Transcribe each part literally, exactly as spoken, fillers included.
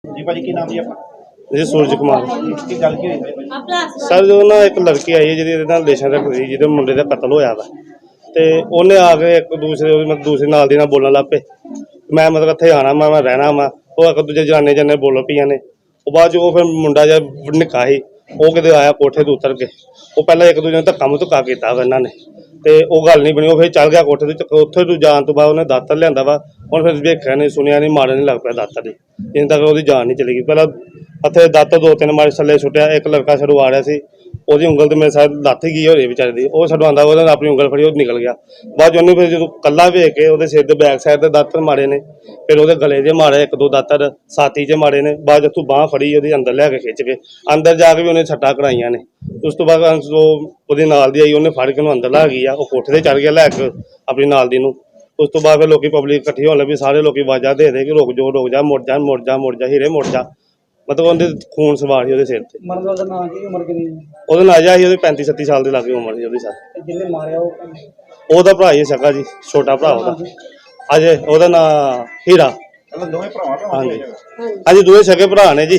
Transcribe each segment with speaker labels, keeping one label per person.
Speaker 1: जी भाजी की नाम जी अपना
Speaker 2: जी सूरज कुमार
Speaker 1: की गल की हुई भाई
Speaker 2: सर जो ना एक लड़की आई है जी रिलेशन रखती जिहदे मुंडे का कतल होया वा ते उन्हें आके एक दूसरे मतलब दूसरे नाल दी नाल बोलन लग पे मैं मतलब इत्थे आना मैं मैं रहना वा वो एक दूजे जनाने जन्ने बोल पईयां ने वो बाद जो फिर मुंडा जिहा निक्का ही वो किते आया कोठे तो उतर के वो पहले एक दूजे ने धक्का मुक्का कीता वा इन्हां ने ते ओह गल नहीं बनी वो फिर चल गया कोठे ते उत्थे तो जान तो बाद उन्हें दातर लियांदा वा हुण फिर वेखिया नहीं सुनिया नहीं मारन नहीं लग पिया दातर दी जिन्ने तक ਉਹਦੀ जान नहीं चली गई पहला हथे दातर दो तीन मारे थल्ले सुट्टिया एक लड़का छड़ू आ रहा सी ਉਹਦੀ ਉਂਗਲ ਤੇ ਮੇਰੇ ਸਾथ ਲੱਥ ਗਈ ਹੋਰੇ ਵਿਚਾਰੇ ਦੀ ਉਹ ਛਡਵਾਉਂਦਾ ਉਹਨੇ ਆਪਣੀ ਉਂਗਲ ਫੜੀ ਉਹ ਨਿਕਲ ਗਿਆ ਬਾਅਦ ਉਹਨੇ ਫਿਰ ਜਦੋਂ ਕੱਲਾ ਵੇਖ ਕੇ ਉਹਦੇ ਸਿਰ ਦੇ ਬੈਕ ਸਾਈਡ ਤੇ ਦਾਤਰ ਮਾਰੇ ਨੇ ਫਿਰ ਉਹਦੇ ਗਲੇ 'ਚ ਮਾਰੇ ਇੱਕ ਦੋ ਦਾਤਰ ਛਾਤੀ 'ਚ ਮਾਰੇ ਨੇ ਬਾਅਦ ਜਦੋਂ ਬਾਂਹ ਫੜੀ ਉਹਦੀ ਅੰਦਰ ਲੈ ਕੇ ਖਿੱਚ ਕੇ ਅੰਦਰ ਜਾ ਕੇ ਵੀ ਉਹਨੇ ਛੱਟਾਂ ਕਰਾਈਆਂ ਨੇ ਉਸ ਤੋਂ ਬਾਅਦ ਉਹ ਉਹਦੇ ਨਾਲ ਦੀ ਆਈ ਉਹਨੇ ਫੜ ਕੇ ਉਹਨੂੰ ਅੰਦਰ ਲਾ ਗਈ ਆ ਉਹ ਕੋਠੇ ਤੇ ਚੜ ਗਿਆ ਲੈ ਕੇ ਆਪਣੀ ਨਾਲ ਦੀ ਨੂੰ ਉਸ ਤੋਂ ਬਾਅਦ ਫਿਰ ਲੋਕੀ ਪਬਲਿਕ ਇਕੱਠੀ ਹੋਣ ਲੱਗੀ ਸਾਰੇ ਲੋਕੀ ਆਵਾਜ਼ਾਂ ਦੇ ਦੇ ਕਿ ਰੁਕ ਜਾ ਰੁਕ ਜਾ ਮੁੜ ਜਾ ਮੁੜ ਜਾ ਮੁੜ ਜਾ ਹੀਰੇ ਮੁੜ ਜਾ मतलब ਉਹਦੇ खून सवार ਸੀ ਉਹਦੇ ਸਿਰ ਤੇ
Speaker 3: ਮਰਨ ਦਾ ਨਾਂ ਕੀ ਉਮਰ ਕਿੰਨੀ
Speaker 2: ਉਹਦਾ ਨਾਂ ਆਇਆ ਸੀ ਉਹਦੇ पैंतीस छत्तीस साल ਦੇ ਲਾਗੇ ਉਮਰ ਸੀ ਉਹਦੀ ਸਰ
Speaker 3: ਜਿਹਨੇ ਮਾਰਿਆ ਉਹ
Speaker 2: ਉਹਦਾ ਭਰਾ ਹੀ ਸਕਾ ਜੀ ਛੋਟਾ ਭਰਾ ਉਹਦਾ ਅਜੇ ਉਹਦਾ ਨਾਂ ਹੀਰਾ
Speaker 1: मतलब दोवें भरावां दा
Speaker 2: ਹਾਂਜੀ ਅਜੇ ਦੋਵੇਂ ਸਕੇ ਭਰਾ ਨੇ ਜੀ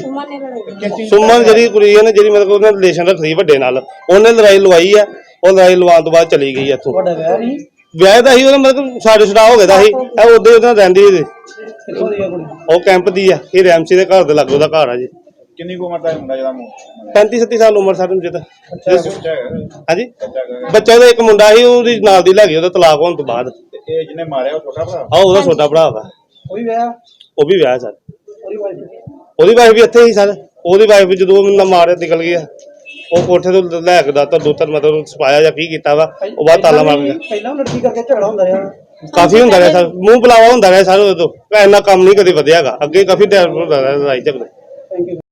Speaker 2: ਸੁਮਨ ਜਿਹੜੀ ਕੁੜੀ ਹੈ ਨਾ ਜਿਹੜੀ ਮਤਲਬ ਉਹਨੇ ਰਿਲੇਸ਼ਨ ਰੱਖੀ ਵੱਡੇ ਨਾਲ ਉਹਨੇ ਲੜਾਈ ਲਵਾਈ ਆ ਉਹ ਲੜਾਈ ਲਵਾਉਣ ਤੋਂ ਬਾਅਦ ਚਲੀ ਗਈ ਇੱਥੋਂ
Speaker 3: ਤੁਹਾਡਾ ਵਿਆਹ ਨਹੀਂ
Speaker 2: ਵਿਆਹ ਦਾ ਸੀ ਉਹਦਾ ਮਤਲਬ ਸਾਡੇ ਛੜਾ ਹੋ ਗਿਆ ਦਾ ਸੀ ਇਹ ਉਹਦੇ ਉਹਦੇ ਨਾਲ ਰਹਿੰਦੀ ਸੀ
Speaker 3: ਕਿੱਥੋਂ ਦੀ ਆ ਕੁੜੀ
Speaker 2: ਉਹ ਕੈਂਪ ਦੀ ਆ ਇਹ ਰੈਮਸੀ ਦੇ ਘਰ ਦੇ ਲਾਗੇ ਉਹਦਾ ਘਰ ਆ ਜੀ
Speaker 1: किन्नी को उम्र दा मुंडा जदा मो
Speaker 2: पैंती छत्तीस साल उम्र सारे जिदा
Speaker 1: बच्चा है
Speaker 2: ਹਾਂਜੀ
Speaker 1: बच्चा है
Speaker 2: ਬੱਚਾ ਉਹਦਾ ਇੱਕ ਮੁੰਡਾ ਸੀ ਉਹਦੀ ਨਾਲ ਦੀ ਲੱਗੀ ਉਹਦਾ ਤਲਾਕ ਹੋਣ ਤੋਂ ਬਾਅਦ
Speaker 1: ते ए जिन्ने मारया वो छोटा भरा
Speaker 2: ਆ ਉਹਦਾ ਛੋਟਾ ਭਰਾ ਵਾ
Speaker 3: ਕੋਈ ਵਿਆਹ
Speaker 2: ਉਹ ਵੀ ਵਿਆਹ ਸਰ
Speaker 3: ਉਹਦੀ ਵਾਈਫ
Speaker 2: ਉਹਦੀ ਵਾਈਫ ਵੀ ਇੱਥੇ ਹੀ ਸਰ ਉਹਦੀ ਵਾਈਫ ਵੀ ਜਦੋਂ ਨਾ ਮਾਰਿਆ ਨਿਕਲ ਗਈ ਆ ਉਹ ਕੋਠੇ ਤੋਂ ਲੈ ਕੇ ਦਾ ਤਾਂ ਦੋ ਤਿੰਨ ਮਤਲਬ ਸਪਾਇਆ ਜਾਂ ਕੀ ਕੀਤਾ ਵਾ ਉਹ ਬਾਅਦ ਤਾਲਾ ਮਾਰ ਗਿਆ
Speaker 3: ਪਹਿਲਾਂ ਲੜਕੀ ਕਰਕੇ ਝਗੜਾ ਹੁੰਦਾ ਰਿਹਾ
Speaker 2: ਕਾਫੀ ਹੁੰਦਾ ਰਿਹਾ ਸਰ ਮੂੰਹ ਬੁਲਾਵਾ ਹੁੰਦਾ ਰਿਹਾ ਸਰ ਉਦੋਂ ਇੰਨਾ ਕੰਮ ਨਹੀਂ ਕਦੇ ਵਧਿਆਗਾ ਅੱਗੇ ਕਾਫੀ ਟਾਈਮ ਹੁੰਦਾ ਰਿਹਾ ਲੜਾਈ ਝਗੜੇ
Speaker 3: ਥੈਂਕ ਯੂ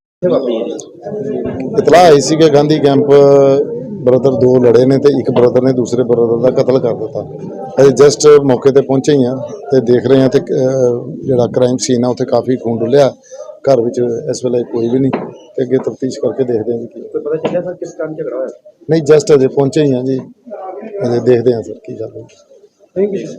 Speaker 4: ਇਤਲਾਹ ਆਈ ਸੀ ਕਿ ਗਾਂਧੀ ਕੈਂਪ ਬ੍ਰਦਰ ਦੋ ਲੜੇ ਨੇ ਤੇ ਇੱਕ ਬ੍ਰਦਰ ਨੇ ਦੂਸਰੇ ਬ੍ਰਦਰ ਦਾ ਕਤਲ ਕਰ ਦਿੱਤਾ ਅਸੀਂ ਜਸਟ ਮੌਕੇ ਤੇ ਪਹੁੰਚੇ ਹੀ ਆ ਤੇ ਦੇਖ ਰਹੇ ਆ ਤੇ ਜਿਹੜਾ ਕ੍ਰਾਈਮ ਸੀਨ ਆ ਉੱਥੇ ਕਾਫੀ ਖੂਨ ਡੁੱਲਿਆ ਘਰ ਵਿੱਚ ਇਸ ਵੇਲੇ ਕੋਈ ਵੀ ਨਹੀਂ ਤੇ ਅੱਗੇ ਤਫਤੀਸ਼ ਕਰਕੇ ਦੇਖਦੇ ਹਾਂ ਕੀ
Speaker 1: पता चलिया सर किस कारण झगड़ा होया
Speaker 4: ਨਹੀਂ ਜਸਟ ਅਜੇ ਪਹੁੰਚੇ ਹੀ ਆ ਜੀ ਅਜੇ ਦੇਖਦੇ ਆ ਸਰ ਕੀ ਗੱਲ ਹੋਈ
Speaker 3: ਥੈਂਕ ਯੂ